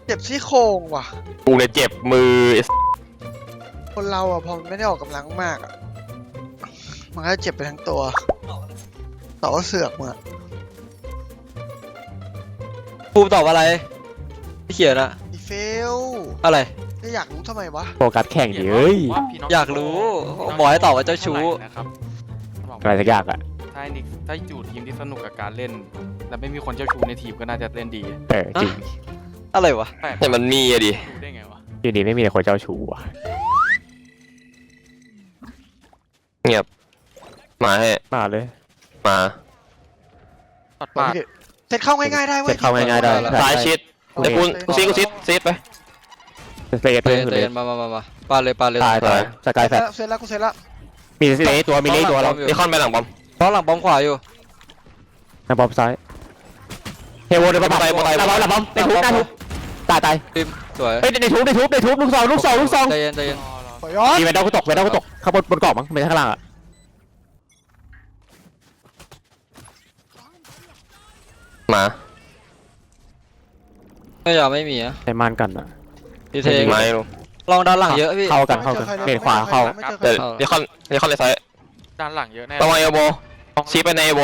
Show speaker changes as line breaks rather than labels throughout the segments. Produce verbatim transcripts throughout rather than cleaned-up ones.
เจ็บซี่โครงว่ะ
กูเนี่ยเจ็บมือ
คนเราอ่ะพอมันไม่ได้ออกกำลังมากอ่ะมันก็เจ็บไปทั้งตัวต่อว่าเสือกมึงอ่ะ
ภูมิตอบอะไรที่เขียนอะ
อีเฟล
อะไร
จะอยากรู้ทำไมวะ
โฟกัสแข่งดิเอ้ย
อยากรู้บอกให้ตอบว่าเจ้าชู้
นะครับ
อะไรสักอย่างอะ
ถ้านิกถ้าอยู่ทีมที่สนุกกับการเล่นและไม่มีคนเจ้าชู้ในทีมก็น่าจะเล่นดี
เออจริง
อะไรวะ
แต่มันมีอะดิ
ได้ไงวะ
อยู่ดีไม่มีแต่คนเจ้าชู้อะ
เงียบมาให้
มาเลย
มา
ตัดปาก
เสร็จเข้าง่ายๆได้เว้ย
เสร็จเข้าง่ายๆได้
ซ้ายชิดไอ้กูกูซีกูซีซีดไป
เสร็จเลย
เตนมามามามาปาเลยปาเลย
ตายตายสกายแฟลช
เสร็จแล้วกูเสร็จแล้ว
มีเลตัวมีเลตัวเรา
มีคอนไปหลังบอม
เพราะหลังบอมขวาอยู่
นะบอมซ้ายเฮโวเดินไปไปไประบอมระบอมในทุบหน้าทุบตายตาย
ทีมสวย
เฮ้ยในทุบในทุบในทุบลูกสองลูกสองลูกสอง
ใจเย็นใจเย็น
มีเวนด้ากูตกเวนด้ากูตกข้างบนบนกรอบมั้งไม่ใช่ข้างล่างอะ
มา
ไม่ยอมไม่มีอะ
ใช้ม่านกันอะ
พี่เทง
ไม่รู้
ลองด้านหลังเยอะพี่
เข้ากันเข้ากันเบนขวาเข้า
เดี๋ยวเดี๋ยวคอนเดี๋ยวคอนเลยซ้าย
ด้านหลังเยอะแน่
ระวังเอโบชี้ไปในเอโบ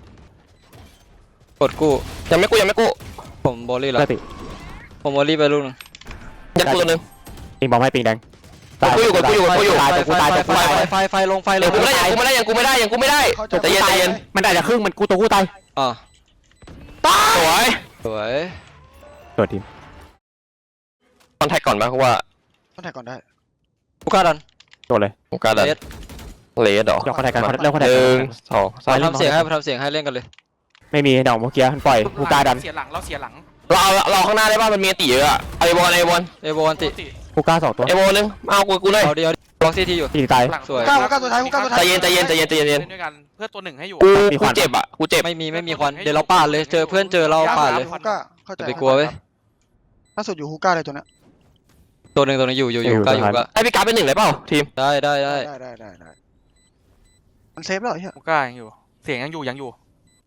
กดกู้
ยังไม่กู้ยังไม่กู้
ผมบอลลี่แล้วผมบอลลี่ไปลูกนึง
ยัดกูตัวนึง
ปิงบอมให้ปิงแดง
กูอยู่กูอยู่กูอยู่
ตายกูตายกูตาย
ไฟไฟลงไฟลง
กูไม่ได้ยังกูไม่ได้ยังกูไม่ได้ยังกูไม่ได้ใจเย็นใจเย็น
มันอาจจะครึ่งมันกูตัวกูตาย
อ่า
สวย
สวย
ตัวทีม
คอนแทคก่อนไหมเพราะว่า
คอนแทคก่อนได้
กูกล้าดัน
ตัวเลย
กูกล้าดันเลสหรอ
เดี๋ยวคอนแทคกันเริ่มคอนแทค
หนึ่งสองสาม
ทำเสียงให้ทำเสียงให้เล่นกันเลย
ไม่มีดอกเมื่อกี้มันปล่อยกูกล้าดัน
เสียหลังเราเสียหลัง
เราเราข้างหน้าได้ป่ะมันมีตีเยอะอะไอบอลไอบอล
เอบอลติ
กูกล้าสองตัว
ไอบอลนึงเอากูกูเลย
เอาเดียวล็อกซีทีอยู่
ตีตาย
สวย
ก้าวก้าวตัวท้ายก้าวตัวท้าย
ใจเย็นใจเย็นใจเย็นใจเย็น
ด้วยกันเพื่อตัวหนึ่งให้อยู่
กูกูเจ็บอ่ะกูเจ็บ
ไม่มีไม่มีควันเดี๋ยวเราปาดเลยเจอเพื่อนเจอเราปาดเลย
ฮูก้าเข้าใจ
ไปกลัวเว้ย
ล่าสุดอยู่ฮูก้าเลยตัวนี้
ตัวหนึ่งตัวนึงอยู่อยู่อยู่ก้าอยู่ก้า
ให้พี่การเป็นหนึ่งเลยเปล่าทีม
ได้ได้ได้
ได้ได้ได้ได้มันเซฟแล้วเหรอเฮ้ย
ฮูก้ายังอยู่เสียงยังอยู่ยังอยู่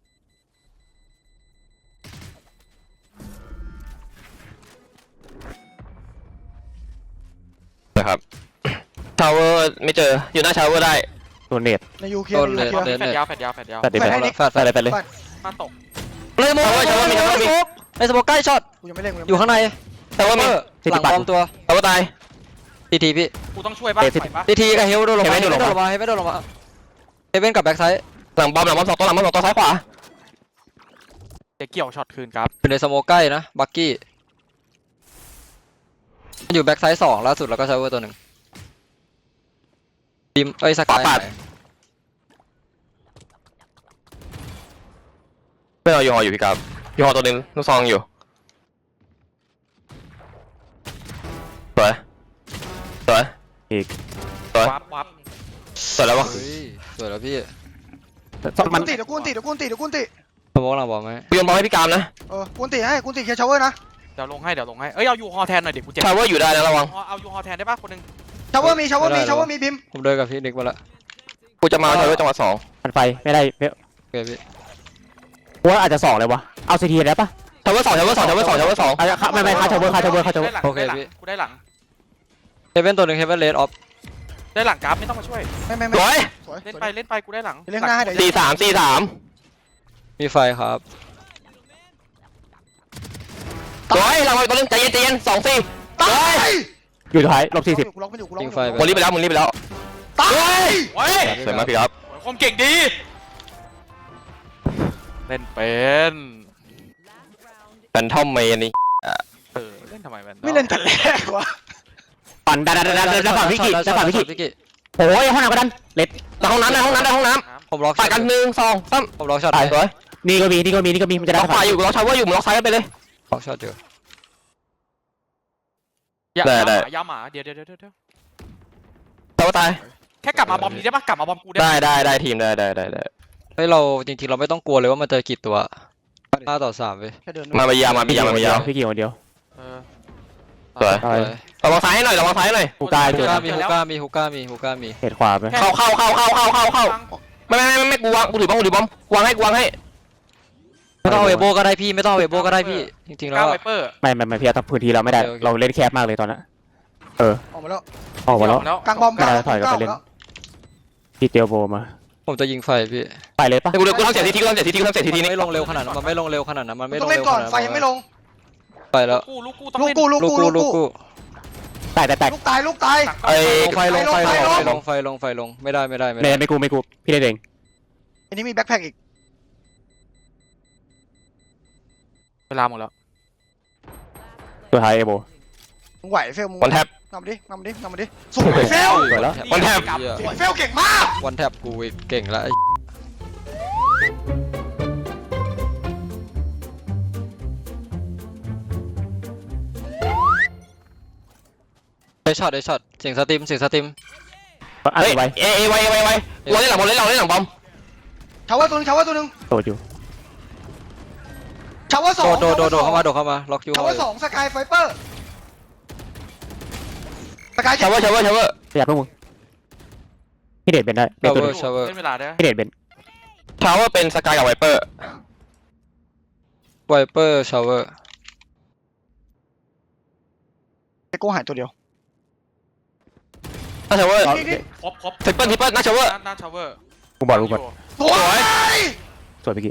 นะครับชาวเวอร์ไม่เจออยู่หน้าชาวเวอร์ได้
ตัวเน็ต
ในยูเคในยูเค
แฟดยาวแฟดยาวแฟดยาว
แฟดไปเลยแฟดไปเลยไปเลย
มาตก
เลยโม่ชาวเวอร์มีชาวเวอร์มีไอ้สโมกใกล้ช็อต
กูยังไม่เล่น
อยู่ข้างใน
ชาวเวอร์มี
หลังบอมตัว
ชาวเวอร์ตาย
ทีทีพี่
กูต้องช่วยป่ะ
ทีทีกับเฮลโดนลงมาเฮลโดนลงมาเฮลโดนลงมาเฮเว่นกับแบ็กไซด์
หลังบอมหลังบอมสองตัวหลังบอมสองตัวซ้ายขวา
จะเกี่ยวช็อตคืนครับ
อยู่ในสโมกใกล้นะบักกี้อยู่แบ็กไซด์สองล่าสุดแล้วก็ชาวเวอร์ตัวหนึ่งทีมเอ้ยสกาย
ไม่เอายูฮออยู่พี่ครับยูฮอตัวนึงลูกซองอยู่สวยสวย
อีก
สวยสวยแล้ววะ
สวยแล้วพี่
มันติดเดี๋ยวกูติดเดี๋ยวกูติดเดี๋ยวกูติด
สมองหลังบอกไหม
กูยังบอกให้พี่กามนะ
เออกูติดให้กูติดแค่ชาวเวอร์นะ
เดี๋ยวลงให้เดี๋ยวลงให้เอ้ยเอายูฮอแทนหน่อยเด็กกูเจ็บ
ชาวเวอร์อยู่ได้นะระวัง
เอายูฮอแทนได้ป่ะคนนึง
ชาวเวอร์มีชาวเวอร์มีชาวเวอร์มีพิม
ผมเดินกับพี่นิกมาละ
กูจะมาชาวเวอร์จังหวะสอง
มันไฟไม่ได้เ
โอเคพี่
ว่าอาจจะสองเลยวะเอาซีทีได้ปะ
ชาวเวอร์สองชาวเวอร์สองชาวเวอร์สองชาวเวอร์สอง
ไม่ไม่ค่าชาวเวอร์ค่าชาวเวอร์ค่าชาวเวอร์
โอเคพี่
กูได้หลัง
เฮเว่นตัวหนึ่งเฮเว่นเลดออฟ
ได้หลังกราฟไม่ต้องมาช่วย
ไม่ไม่ไม่
เล่นไปเล่นไปกูได้หลัง
เล่นหน้าให้เดี๋ยว
สี่สามสี่สาม
มีไฟครับ
สวยเราไปตัวนึงใจเย็นใจเย็นสองสี่ตาย
อยู่ท้ายลบสี่สิบ
ยิงไฟ
หมดรีบไปแล้วหมดรีบไปแล้ว
ตาย
เฮ้ย
สวยมากพี่ครับ
ความเก่งดีเล่นเป็น
แฟนทอมเมย์นี่
เออเล่นทำไมแฟน
ไม่เล่นแต่แรกวะ
ปั่นดันดันดันดันฝั่งพิกิดันฝั่งพิกิโอ้ยห้องน้ำก็ดันเล็ด
ในห้องน้ำในห้องน้ำในห้องน้
ำผมล็อก
ฝ่ายกันหนึ่งสองสาม
ผมล็อกช็อต
ตายสวย
นี่ก็มีนี่ก็มีนี่ก็มีมันจะได้
ล็อกฝ่ายอยู่ล็อกชาวเวอร์อยู่ล็อกซ้ายกันไปเลย
ล็อกช็อตอยู่
ได้ได้ยาหมาเดี๋ยวเดี๋ยวเดี๋ยวเดี๋ยว
ชาวเวอร์ตาย
แค่กลับมาบอมนี้ได้ปะกลับมาบอมกู
ได้ได้ได้ทีมได้ได้ได้ได้
เฮ้ยเราจริงๆเราไม่ต้องกลัวเลยว่ามันจะกี่ตัวห้าต่อสามเว้ย
มาไปยาวมาไปยาวมาไปยาว
พี่กี่คนเดียว
สวยระวังซ้ายให้หน่อยระวังซ้ายหน่อย
ฮูก้า
ฮูก้ามีฮูก้ามีฮูก้ามีฮูก้ามี
เหตุขวาไป
เข้าเข้าเข้าเข้าเข้าเข้าเข้าไม่ไม่ไม่ไม่กูวางกูถือบ้องกูถือบ้องวางให้กูวางให้
ไม่ต้องเอาเวโบก็ได้พี่ไม่ต้องเอาเวโบก็ได้พี่จริงๆแล้ว
ก้าวไว
อะ
เปอร์
ไม่ไม่ไม่พี่ทำพื้นที่เราไม่ได้
โอเคโอเค
เราเล่นแคบมากเลยตอนนั้นเออ
ออกมาแล้ว
ออกมาแล้ว
แล้ว
กลางบอม
ไม่ได้ถอยกลับไปเล่น พี่เตียวโบมา
ผมจะยิงไฟพี่
ไปเลยปะ
กูกูทำเสร็จทีทีกูทำเสร็จทีทีกูทำเสร็จทีที
มัน
นี้
ไม่ลงเร็วขนาดนั้นมันไม่ลงเร็วขนาดนั้นมันไม่ล
ต้อง
ง
เล่น
เร็ว
ก่อน
ขนาด
ไฟยังไม่ลง
ไปแล้ว
กูลูกกูต้อง
ลูก
เล่น
กูลูก
ลูก
กู
กู
ลู
ลู
ก
ก
กู
กู
แตกแตกแตก
ลูกตายลูกตาย
ไอ้
ลงไฟลงไฟลง
ไฟลง
ไฟลงไฟลงไฟลงไม่ได้ไม่ได้ไม่
ไม่
ได้
ไม่กูไม่กูพี่ได้เอง
อันนี้มีแบ็คแพ็คอีก
เวลาหมดแล้ว
ตัวท้ายเอโบ
มึงไหวเฟลมึง
วันแท็บ
นำดินำดินำดิสวยเฟล
สวยแล้ว
วันแทบ
เหี้ย
สวยเฟลเก่งมาก
วันแทบกูอีกเก่งแล้วไอ้ไอ้ช็อตไอ้ช็อตเสียงสตรีมเสียงสตรีม
อัน
เฮ้ย
ไว้
เอเอไวไวไวเราเล่นหลังบอลเล่นเราเล่นหลังบอม
ชาวเวอร์ตัวหนึงชาวเวอร์ตัวหนึง
โตอยู่
ชาวเวอร์สอง
โดดโดดโดดโดดเข้ามาโดดเข้ามาล็อกยู
ชาวเวอร์สองสกายไฟเปอร์สกาย
ชาวเวอร์ชาวเวอร์ชาวเวอร์
อยากพวกมึงพี่เดชเป็นได้เป็น
ชาว
ตัว
เว
ห
อ
นึง
ร์ชาวเวอร์
เล่นเวลาได้
พี่เดชเป็น
ชาวเวอร์เป็นสกายกับไวเปอร์
ไวเปอร์ชาวเวอร์
ไอ้กูหายตัวเดียว
น่าชาวเวอร์
นี่นี่
ครบครบ
ทริปเปิลทริปเปิลน่าชาวเวอร์
หน้าชาวเวอร์
กูบอกกูบอก
สวย
สวยเมื่อกี้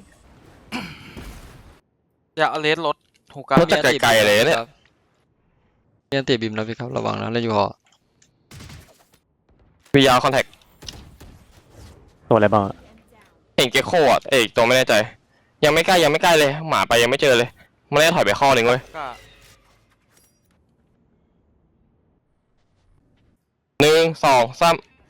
อย่าเอาเลสรถถูกกัน
รถจากไกลๆเลยเนี่ย
มีอันติบิมนะพี่ครับระวังนะเล่นอยู่หอ
วีอาร์คอนแทค
ตัวอะไรบ้างอะ
เอ็งเกโคอ่ะเอกตัวไม่แน่ใจ ยังไม่ใกล้ยังไม่ใกล้เลยหมาไปยังไม่เจอเลยมันได้ถอยไปข้อหนึ่งเว้ย
ก็
หนึ่งสองสาม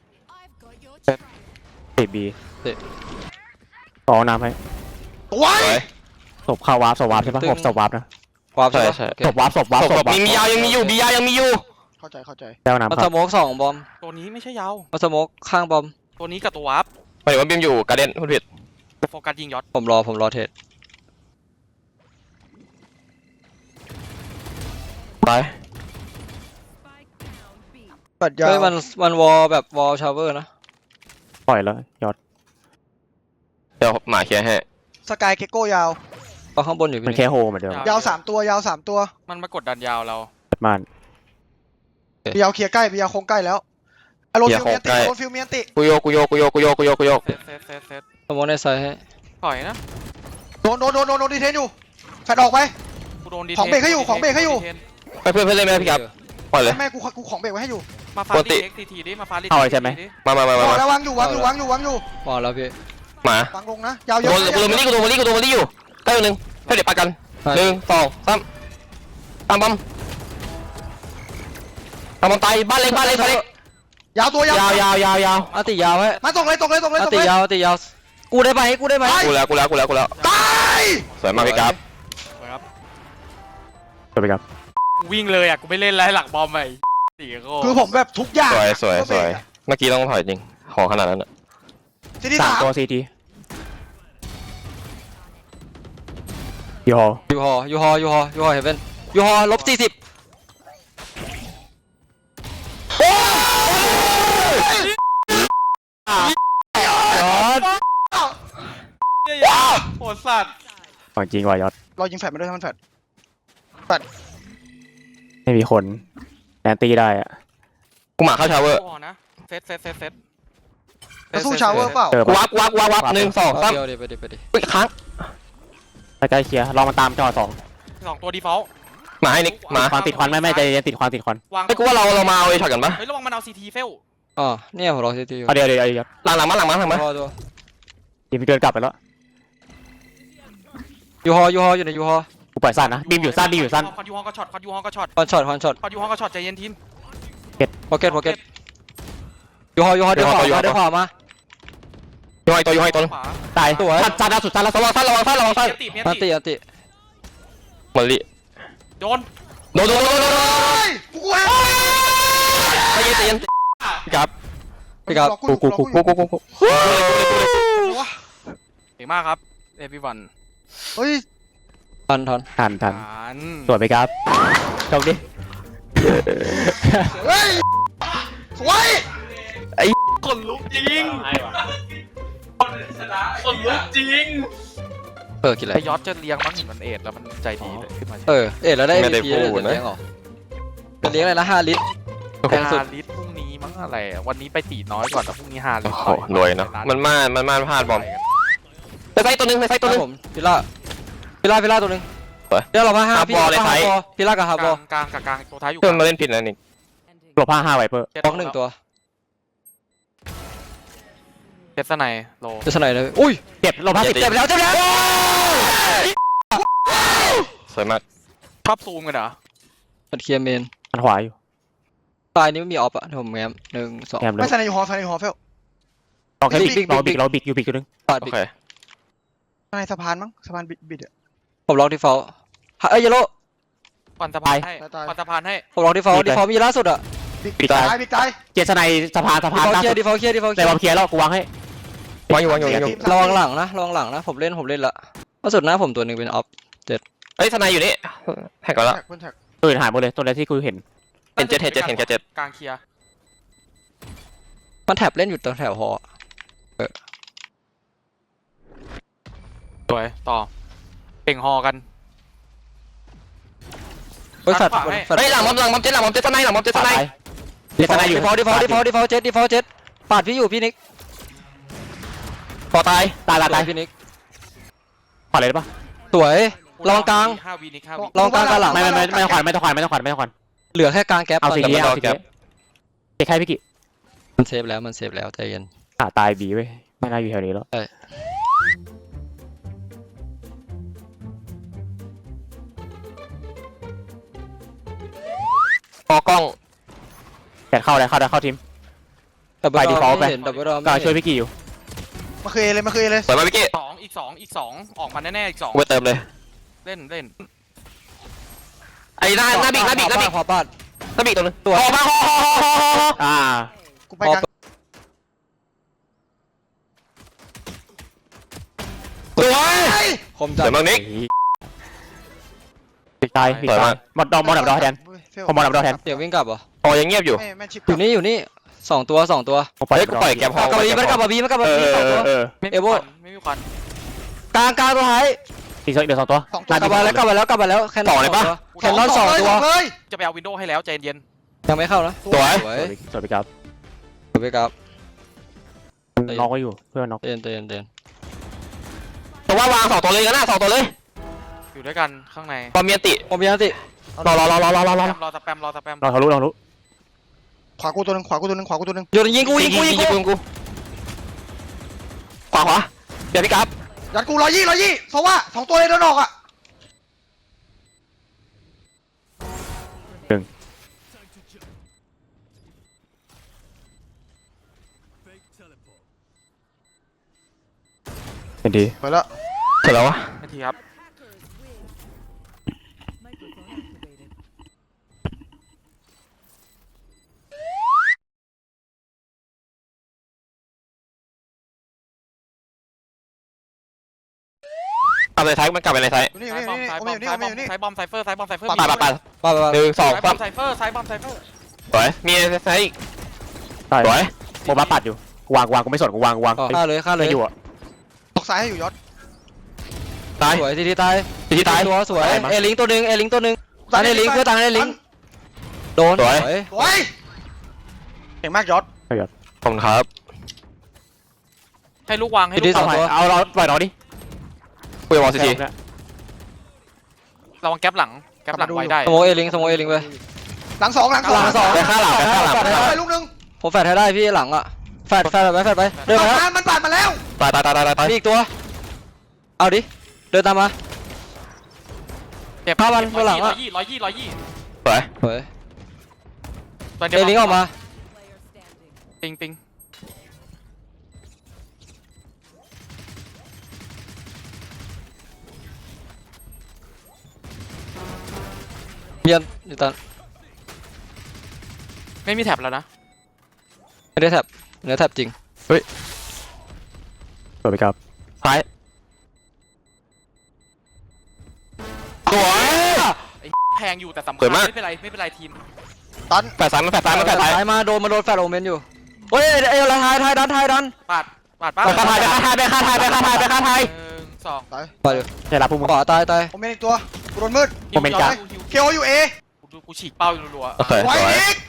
ติดบีต่อน้ำให้
สวย
สวย
ศพเข้าวาร์ปศพวาร์ปใช่ปะศพศพวาร์ปนะ
วาร์ปใช่
ใช่
ปะ
ใช่
โอเค
ศพวาร์ปศพวาร์ป
ศพ
ศพ
ศพมีมียายังมีอยู่บียายังมีอยู่
เข้าใจเข้าใจ
แล้วน้ำ
มัน
ค
ส
รับ
โมกสองบอม
ตัวนี้ไม่ใช่ยาว
มันสโมกข้างบอม
ตัวนี้กับตัววาร์ป
หมายถึงว่าบิมอยู่การ์เด้นพูดผิด
โฟกัสยิงยอด
ผมรอผมรอเทรด
ไป
ปัดยา
เฮ้ยมันมันวอลแบบวอลชาวเวอร์นะ
ปล่อยแล้วยอด
เดี๋ยวหมาเคลียร์ให้
สกายเกโก้ยาว
ก็ข้างบนอยู่
มัน
พี่
แค่โฮเหมือนเดิม
ยาวสามตัวยาวสามตัว
มันมากดดันยาวเรา
เปิดม่าน
บียาวเคลียร์ใกล้บียาวโค้งใกล้แล้วอารมณ์ฟิลเมียนติอารมณ์ฟิลเมียนติ
กูโยกกูโยกกูโยกกูโยกกูโยกกูโยก
เซตเซตเซตเซต
สโมกในไซด์ให้
ถอยนะ
โดนโดนโดนโดนโดนดีเทนอยู่แฟดออกไป
กูโดนดี
ของเบรกให้อยู่ของเบรกให้อยู่
ไปเพื่อนเพื่อนเล่นไหมพี่ครับปล่อยเลย
แม่กูกูของเบรกไว้ให้อยู่
มาฟา
ป
ด
กติ
เอ็กซ์ทีทีดิมาฟาด
เอาเลยใช่ไหม
มามามามา
บอก
มา
แล้ววางอยู่วางอยู่วางอยู่วางอยู่
มองแล้วพี่
หมา
ฟังลงนะยาวเย
โด
อะ
นกูโดนมาลี่กูโดนมาลี่กูโดนมาลี่อยู่ใกล้ตัวหนึ่งให้เดี๋ยวปากันหนึ่งสองสามตามบอมตามบอมตายบ้านเล็กบ้านเล็กบ้านเล็ก
ยาวตัวยาวย
าวยาวยาวยาว
อันติยาวไว้
มาตกเลยตกเลยตกเลย
อัน
ตก
ติ
เลย
ยาวอันติยาวกูได้ไหมกูได้ไหม
กูแล้วกูแล้วกูแล้วกูแล้ว
ตาย
สวยมากพี่ครับ
ครับ
สวยไปครับ
วิ่งเลยอ่ะกูไม่เล่นแล้วหลักบอมไปสี่โก้
คือผมแบบทุกอย่าง
สวยสวยสวยเมื่อกี้ต้องถอยจริงของขนาดนั้น
ซีดี
สา
สาม ม
ตัวซีทียูฮอ
ยูฮอยูฮอยูฮอยูฮอเฮเว่นยูฮอลบสี่สิบ
ยอด
เนี่ยโหดสัตว์
ของจริงว่ะยอด
เรายิงแฟดมาด้วยทั้งมันแฟด
ไม่มีคนแอนตี้ได้อะ
กูหมาเข้าชาวเวอร์
พอนะเซตเซตเซตเซต
จะสู้ชาวเวอร์เปล่า
เจอ
กู
ปะ
วับวับวับวับหนึ่งสองสาม
เดียวดิไปดิไปดิ
อุ้ยค้าง
ใกล้ๆเคลียร์ลองมาตามจอสอง
สองตัวดีฟอลต์
หมาให้นิกหมา
ควันติดควันไม่ไม่ใจเย็นติดควันติดควัน
วาง
ไอ้กูว่าเราเรามาเอาไอ้ช็อตกันปะ
เฮ้ยระวังมันเอาซีทีเฟล
อ๋อเนี่ยผมรอซีทีอยู่
เอาเดี๋ยวเดี๋ยวเดี๋ยว
หลังหลังมาหลังมาหลังมา
ยูฮอตัว
ทีมเดินกลับไปแล้ว
ยูฮอยูฮออยู่ในยูฮอ
กูปล่อยสั้นนะบีมอยู่สั้นบีมอยู่สั้น
คอนยูฮองก็ช็อตคอนยูฮองก็ช็อต
คอนช็อตคอนช็อต
คอนยูฮองก็ช็อตใจเย็นทีม
พ็อกเก็ตพ็อกเก็ตยูฮอยูฮอเดี๋ยวขวามาเดี๋ยวขวามา
โยอยตัวโยอยตัว
ขวา
ตายสั้นสั้นล่าสุดสั้นล่าสุ
ระ
ด
วังสั้นระวังสั้นระวังสั้น
เมียนติเมียน
อัน
ติ
ติอันติ
มอลลี่
โดน
โดนโดนโดนโดน
เฮ้ยกูกูแฮก
ใจเย็นใจเย็นพี่ครับ
พี่ครับ
กูกูกูกู
กูกูกู
เก่งมากครับเอพีวัน
เฮ้ย
ทันทัน
ทันทัน
อ่าน
สวยไปครับโชคดี
เฮ้ยสวย
คนลุกจริงคนลุกจริง
เออกินอะไร
ไอยอดจะเลี้ยงมั้งเห็นมันเอ็ดแล้วมันใจดีเลยขึ้นมา
เออเอ็ดแล้วได้
ไม่ได้
เอ็ม วี พี
พู
เลย
ด
จะ
นะ
เลี้ยงเหรอจะเลี้ยงอะไรนะห้าลิตร แพงสุด
ฮาลิสพรุ่งนี้มั้งอะไรอะวันนี้ไปตีน้อยก่อนแต่พรุ่งนี้ฮาลิ
โอ้
ส
โหรวยเนาะมันม่านมันม่านพลาดบอมไปไซต์ตัวหนึงไปไซต์ตัวหนึง
ผมพิล่าพิล่าพิล่าตัวหนึง
ไป
เดี๋ยวเรามาห้า
ฮา
พี่
บอลเลย
ฮา
ไทย
บอลพิล่ากับฮาก บอ
ลา
ล
งกลางกับกลางตัวท้ายอยู่
เพื่อนมาเล่นผิดนะนี่
หลบห้าห้าไวเปอร์
บล็อกหนึ่งตัว
เจสไนโล
จะสไนเลยอุ้ย
เจ็บหลบห้าสิบ
เจ็บไปแล้วเจ็บไปแล้ว
สวยมาก
ชอบซูมกันเหรอ
มันเคลียร์เมน
อันขวาอยู่
ตายนี้ไม่มีออฟอะเดี๋ยวผมแง้มหนึ่งสอง
แอมเล
ไม่
ย
ใส่ในยูฮอใส่ในยูฮอเฟล
ลองแค่
บิ๊
บิ
ก
ก
บิ๊ก
เรา
บิ๊
บิ
ก
กเราบิกอยู่บิกตัวหนึง
ปาด
โอ
บิ๊ก
เค
ในสะพานมั้งสะพานบิดบิดอะ
ผมล็อกที่เฝ้าเอ้ยเยลโล่
ควันสะพานให้
ตาย
ควันสะพานให้
ผมล็อกที่เฝ้าที่เฝ้ามีล่าสุดอะ
บิด
ปิดตาย
ตายบิดตาย
เจสไนสะพานสะ
ที่
พาน
เฝ้า
ล่า
เคลีย
สุ
ร์
ด
ที่เฝ้าเคลียร์ที่เฝ้าเคลี
แต่
ย
บอม
ร์
เคลียร์แล้วกูวางให้
วางอยู่วางอยู่วางอยู่
ระวังหลังนะระวังหลังนะผมเล่นผมเล่นละล่าสุดหน้าผมตัวหนึ่งเป็นออฟ
เอ้ยทนายอยู่นี่แท็กก่อนละ
แท็กบนแท็ก
ตัวอื่นหายหมดเลยตัวแรกที่กูเห็น
เห็นเจ็ดเห็นเจ็ดเห็นแค่เจ็ด
กลางเคลียร์
มันแท็บเล่นอยู่ตรงแถวหอ
สวยต่อเป่งฮอกัน
เฮ้ยแฟด
ขวาให้
แฟด
เฮ้ยหลังบอมหลังบอมเจ็ดหลังบอมเจ็ดทนายหลังบอมเจ็ดทนาย
เจสไนอยู่
ดีฟอลดีฟอลดีฟอลดีฟอลเจ็ดดีฟอลเจ็ดปาดพี่อยู่พี่นิก
พอตาย
ตายตายตาย
พี่นิก
ขวาเลยได้ปะ
สวยระวังกลาง
ห้าวีนิกห้าวี
ลองกลางกับหลัง
ไม่ไม่ไม่ไม่ต้องขวานไม่ต้องขวานไม่ต้องขวานไม่ต้องขวาน
เหลือแค่กลางแก๊ป
เอา
ตอน
สี
นี้
นี้เอาสีนี้เจ๊แค่พี่กิ
มันเซฟแล้วมันเซฟแล้วใจเย็น
อ่ะตายบีเว้ยไม่น่าอยู่แถวนี้แล้ว
พอกล้อง
แต่เข้าได้เข้าได้เข้าทีม
ดับเบิล
ไป default ไป
ไม่เห็นดับเบิลดอ
ก็
ไม่
ช่วย
เห็น
พี่กิอยู่
มาเคยเลยมาเคยเลย
สวยมากพี่กี้
สองอีกสองอีกสองออกมาแน่ๆอีกสอง
กูไปเติมเลย
เล่นเล่น
ไอ้หน้าหน้าบิ๊กหน้าบิ๊กหน้าบิ๊ก
ขอปาด
หน้าบิ๊กตัวนึง
ตัว
พอมาพอพอพอพอพอ
อ่า
กูไปกลาง
สวย
คม
ส
จัด
วยมากนิก
ปิดตายปิด
สวย
ตาม
าย ก
หมดดอกหมดดับดอกแทน
เฟล
ผมหมดดับดอกแทน
เดี๋ยววิ่งกลับเหรอ
พอยังเงียบอยู่
แม่แม่ชิป
อยู่นี่อยู่นี่สองตัวสองตัว
ผมปล่อย
เฮ้ยกูปล่อยแกมพ
กลับมาบีมันกลับมาบีมันกลับมา
เอ
บี
อ
สองตัว
เออ
ไม่
เอ
มี
โว่
ควันไม่มีควัน
กลางกลางตัวท้าย
อีกสองเดี๋ยวสองตัว
สองตัว
กลับมาแล้วกลับมาแล้วกลับมาแล้วแคนนอนสองตัวแคนนอนสองตัว
เลย
จะไปเอาวินโดว์ให้แล้วใจเย็น
ยังไม่เข้านะ
สวย
สวย
สวยไปครับ
สวยไปครับ
น้องก็อยู่เพื่อนน้อง
เตือนเตือนเตือน
แต่ว่าวางสองตัวเลยกันนะสองตัวเลย
อยู่ด้วยกันข้างใน
พอมีอันติ
ผมมีอันติ
รอรอรอรอรอรอรอ
รอสแปมรอสแปม
เราทะลุเราทะลุ
ขวากูตัวหนึงขวากูตัวหนึงขวากูตัวหนึง
โยนยิงกูยิงกูยิงกู
ยิงกูขวาขวาเดี๋ยวพี่กับ
ยัดกูร้อยยี่ร้อยยี่เพราะว่าสองตัวเลยโดนออกอ่ะ
เป็นดี
ไปแล้ว
เสร็จแล้ววะ
นาทีครับ
กลับไปในไทยมันกลับไปในไทย
อยู่นี่อ
ซ้าย
ยู่
บอม
นี่
ซ้าย
โอบ
อ
ม
ม
อยู่นี่โอมอยู่นี่
ซ้ายบอมไซเฟอร์ซ้ายบอมไซเฟอร์
ปาปาปา
ไปไปไป
หนึ่งสอง
ซ้ายบ
สา
อ
ม
มไซเฟอร์ซ้ายบอมไซเฟอร์
สวยมีไทยอีก
ตาย
สวย
โมบ้าปัดอยู่กูวางกูวางกูไม่สนกูวางกูวาง
ฆ่าเลยฆ่าเลย
ไม่อยู่อ่ะ
ตกซ้ายให้อยู่ยศ
ตาย
สวยทีทีตาย
ทีที่ตาย
ตัวสวย
ตายมั้ย
เอลิงตัวหนึ่งเอลิงตัวหนึ่งตายในลิงเพื่อตายในลิงโดน
สวย
โอ้ยเก่งมากยศ
ขอบคุณครับ
ให้ลูกวางให้
ที
ลู
ที
ก
ส
วา
อง งตัว
เอาเราปล่อยน้องดิ
คุยกับวอลซีที
ระวังแก๊ปหลังแก๊ปหลังไว้ได้
สโมเอลิงสโมเอลิงไป
หลังสองหลังสอง
หลังสอง
ไปข้างหลังไปข้างหลัง
แฟดให้
ไป
ได้
ลูกหนึง
ผมแฟดให้ได้พี่หลังอ่ะแฟดแฟดไปแฟดไปเดิน
ปา
มา
ด
แล้ว
มามันปาดมาแล้ว
ตายตายตายตายตาย
มีอีกตัวเอาดิเดินตามมา
เจ็บ
ห้าวันตัวหลัง
ร้อ
อะ
ยยี่ร้อยยี่ร้อยยี่
สวย
เฮ้ย
ตัว
เอลิงออกมา
ปิงปิง
เบียนอยู่ตอน
ไม่มีแท็บแล้วนะ
ไม่ได้แท็บเนื้อแท็บจริง
สวยไปครับ
ท้ายสวย
แพงอยู่แต่สำ
ส
คั
ว
ญ
ยมาก
ไม่เป็นไรไม่เป็นไรทีม
ตัน
แฝดซ้ายมันแฝดซ้ายมันแฝดซ้าย
ซ้ายมาโดนมาโดนแฟดโอเมนอยู่เฮ้ยเอ้ยทายทายดันทายดัน
ปาดปาดป้า
ไปฆ่าไทยไปฆ่าไทยไปฆ่าไทยไปฆ่าไทยไปฆ่าไทย
หนึ่งสอง
ตาย
ไปเดี๋ยว
ใช่รับพวกมึง
ขวาตายตาย
ผมเป็นอีกตัวกูโดนมืด
โมเมนต์จ้ะ
ฮิว
เคโออยู่เอ
กูดูกูฉีกเป้าอยู่รัวๆ
โอเค
ไว้
สวย
อีก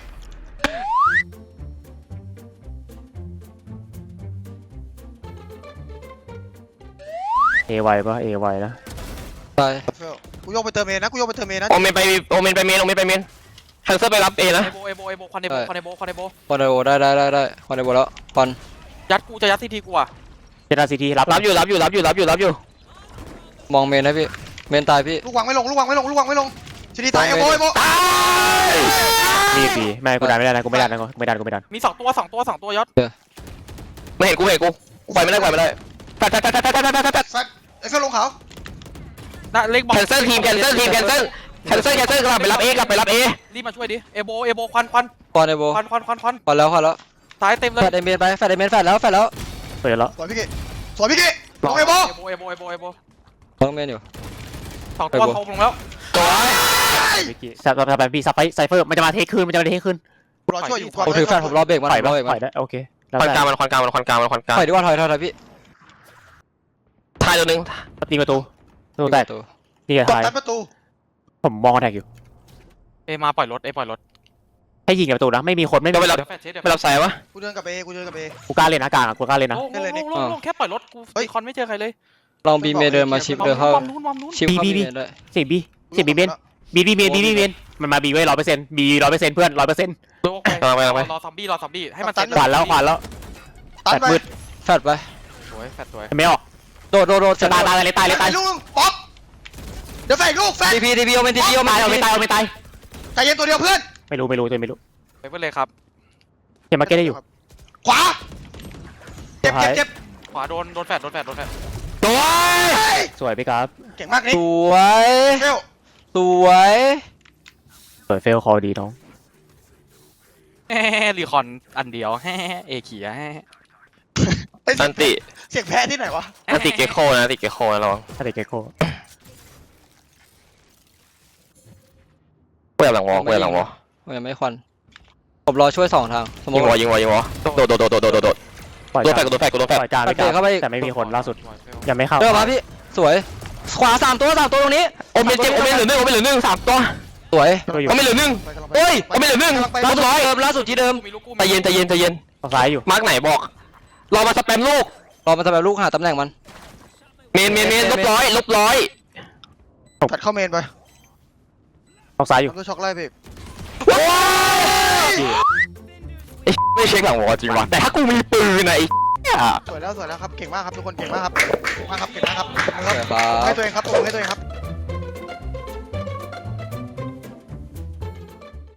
เอไวปะเอไวนะ
ตาย
เฟลกูโยกไปเติมเอนะกูโยกไปเติมเอนะ
โอเมนไปโอเมนไปเมนโอเมนไปเมนแคนเซิลไปรับเอนะ
เอโบเอโบเอโบควันเอโบควันเอโบควันเอโบ
ควันไดโบได้ได้ได้ได้ควันไดโบแล้วควัน
ยัดกูจะยัดทีทีกูอ่ะ
เจตาซีทีรับ
รับอยู่รับอยู่รับอยู่รับอยู่รับอยู่
มองเมนนะพี่เมนตายพี่
ลูกวางไม่ลงลูกวางไม่ลงลูกวางไม่ลงชิดีตายเอโบเอโบ
มีปีไม่กูดันไม่ได้นะกูไม่ดันนะกูไม่ดันกูไม่ดัน
มีสองตัวสองตัวสองตัวยศ
ไม่เห็นกูเห็นกูกูไปไม่ได้ไปไม่ได้แฟดแฟดแฟดแฟดแฟดแฟดแฟด
แฟตไอ้เฟลลงเขา
น่ะเล็กบอล
แคนเซิลทีมแคนเซิลทีมแคนเซิลแคนเซิลแคนเซิลกลับไปรับเอกลับไปรับเอ
รีบมาช่วยดิเอโบเอโบควันควัน
ควันไดโบ
ควันควันควันควัน
ควันแล้วควันแล้ว
ซ้ายเต็มเลย
แฟดไอเมนไปแฟดไอเมนแฟดแล้วแฟดแล้ว
เปิดแล้ว
สวยพี่กิสวยพี่กิลงเอโบ
เอโบเอโบเอโบเอโบ
มองเมนอยู่
สองตัวเขาลงแล้ว
ตัว
วิกกี้สับสับแบบพี่สับไปไซเฟอร์มันจะมาเทคคืนมันจะมาเทคคืน
กูรอช่วยอยู่ก่อน
ผมถือแฟดผมรอเบรกมัน
ปล่อย
ร
ปะ
อเบรก
ป
มั
ล่อน ยได้โอเคแล้ว
ควัน
แต่
กลางมันควันกลางมันควันกลางมันควันกลาง
ถอยดีกว่าถอยถอยถอยพี่
ทายตัวหนึง
ตีประตูประตูแตก
ตัว
นี่
ก
ไง
ด
ทาย
ตัดประตู
ผมมองคอนแทคอยู่
เอมาปล่อยรถเอปล่อยรถ
ให้ยิงกับประตูนะไม่มีคนไม่มี
เดี๋ยวไปรับ
เดี๋ยวแฟดเช็ดเดี๋ยว
ไปรับสายวะ
กูเดินกับเอกูเดินกับเอ
กูกล้าเล่นนะกลางอะกูกล้าเล่นนะ
โล่งโล่งโล่งโล่งแค่ปล่อยรถกู
เฮ้ย
คอนไม่เจอใครเลย
ลองบีเมนเดินมาชิปเดินเข้า
มุมนู้นมุมนู้น
ชิปเข้าบีเมนได้
เสียงบีเสียงบีเมนบีบีเมนบีบีเมนมันมาบีไว้ร้อยเปอร์เซ็นต์บีร้อยเปอร์เซ็นต์เพื่อนร้อยเปอร์เซ็นต์
โล่งไป
กำลังไปกำลังไป
รอซอมบี้รอซอมบี้ให้มัน
ขวานแล้วขวานแล้ว
ตัด
แปด
ไป
มืด
แฟดไป
สวยแฟดสวย
ไม่ออก
โดดโดดโดด
ตายตายเลยตายเลยตาย
ลูกนึงป๊อกเดี๋ยวแฟนลูกแฟน
ทีพีทีพีโอเมนทีพีโอเม
ตาย
น
เอาไม่ตายเอาไม่ตาย
ใจเย็นตัวเดียวเพื่อน
ไม่รู้ไม่รู้ตัวไม่รู้
ไปเพื่อนเลยครับ
เกมมาเก็ตได้อยู่
ขวาเจ็บเจ็บเจ็บ
ขวาโดนโดนแฟดโดนแฟดโดนแฟด
ตัว
เฮ้ย
สวยพี่ครับ
เก่งมากนี่
สวย
เฟล
สวย
สวยเฟลคอดีน้อง
แฮ่รีคอนอันเดียวแฮ่เอเขียแฮ่
เฮ้ย
อันติ
เสียงแพ้ที่ไหนวะ
อันติเกโคนะอันติเกโคนะลอง
ถ้าเด็กเกโก้
เปิดหลังวอเปิดหลังวอ
มันยังไม่ควันผมรอช่วยสองทางสมม
ยิ
ติ
งวอยิงวอยิงวอโดดโดดโดดโดดโดดโดด
ปล่อย
โดนแฟ
ก
ด
ลาง
โดนแฟดโดนแฟด
ปล่อยกลางพี่ครับแต่ไม่มีคนล่าสุดยังไม่เข้า
เดินมาพี่สวยขวาสามตัวสามตัวตรงนี้
โอเมนเจ็บโอเมนเหลือหนึ่งโอเมนเหลือหนึ่งสามตัว
สวย
ก็อยู่
โอเมนเหลือหนึ่ง
ไปกำลังไป
โอ้ยโอเมนเหลือหนึ่ง
กำลังไป
ล่าสุดร้อย
เดิมล่าสุดที่เดิม
กูมีลูกกูมี
ใจเย็นใจเย็นใจเย็น
ฝั่งซ้ายอยู่
มาร์กไหนบอกรอมาสแปมลูก
รอมาทำแบบลูกหาตำแหน่งมัน
เมนเมนเมนลบร้อยลบร้อย
ตัดเข้าเมนไป
ฝั่งซ้ายอยู่
ทำตัวช็อกไล่พี่
ไอ้ไม่เช็คหลังวอจริงวะแต่ถ้ากูมีปืนอะไอ้เหี้ย
สวยแล้วสวยแล้วครับเก่งมากครับทุกคนเก่งมากครับเก่งมากครับเก่งมากครับ
สวยครั
ให้
บ
ตัวเองครับตัวให้ตัวเองครับ